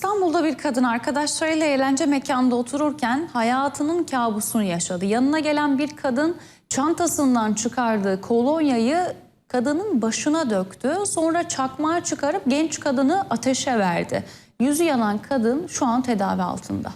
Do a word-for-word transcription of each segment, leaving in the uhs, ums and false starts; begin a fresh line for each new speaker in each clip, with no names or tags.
İstanbul'da bir kadın arkadaşlarıyla eğlence mekanında otururken hayatının kabusunu yaşadı. Yanına gelen bir kadın çantasından çıkardığı kolonyayı kadının başına döktü. Sonra çakmağı çıkarıp genç kadını ateşe verdi. Yüzü yanan kadın şu an tedavi altında.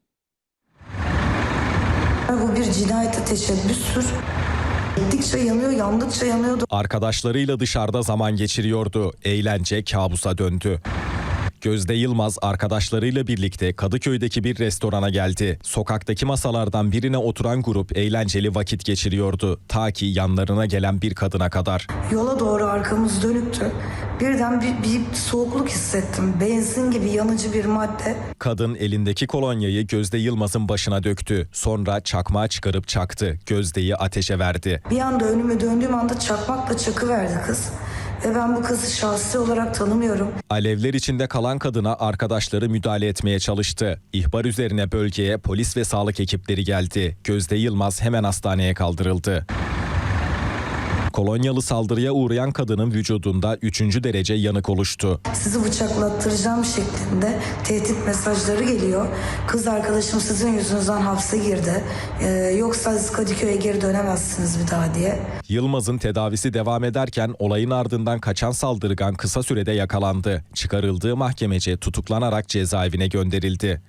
Bu bir cinayete teşebbüstür. Gittikçe yanıyor, yandıkça yanıyordu.
Arkadaşlarıyla dışarıda zaman geçiriyordu. Eğlence kabusa döndü. Gözde Yılmaz arkadaşlarıyla birlikte Kadıköy'deki bir restorana geldi. Sokaktaki masalardan birine oturan grup eğlenceli vakit geçiriyordu. Ta ki yanlarına gelen bir kadına kadar.
Yola doğru arkamız dönüktü. Birden bir, bir soğukluk hissettim. Benzin gibi yanıcı bir madde.
Kadın elindeki kolonyayı Gözde Yılmaz'ın başına döktü. Sonra çakmağı çıkarıp çaktı. Gözde'yi ateşe verdi.
Bir anda önüme döndüğüm anda çakmakla çakıverdi kız. Ve ben bu kızı şahsi olarak tanımıyorum.
Alevler içinde kalan kadına arkadaşları müdahale etmeye çalıştı. İhbar üzerine bölgeye polis ve sağlık ekipleri geldi. Gözde Yılmaz hemen hastaneye kaldırıldı. Kolonyalı saldırıya uğrayan kadının vücudunda üçüncü derece yanık oluştu.
Sizi bıçaklattıracağım şeklinde tehdit mesajları geliyor. Kız arkadaşım sizin yüzünüzden hapse girdi. Ee, yoksa siz Kadıköy'e geri dönemezsiniz bir daha diye.
Yılmaz'ın tedavisi devam ederken olayın ardından kaçan saldırgan kısa sürede yakalandı. Çıkarıldığı mahkemece tutuklanarak cezaevine gönderildi.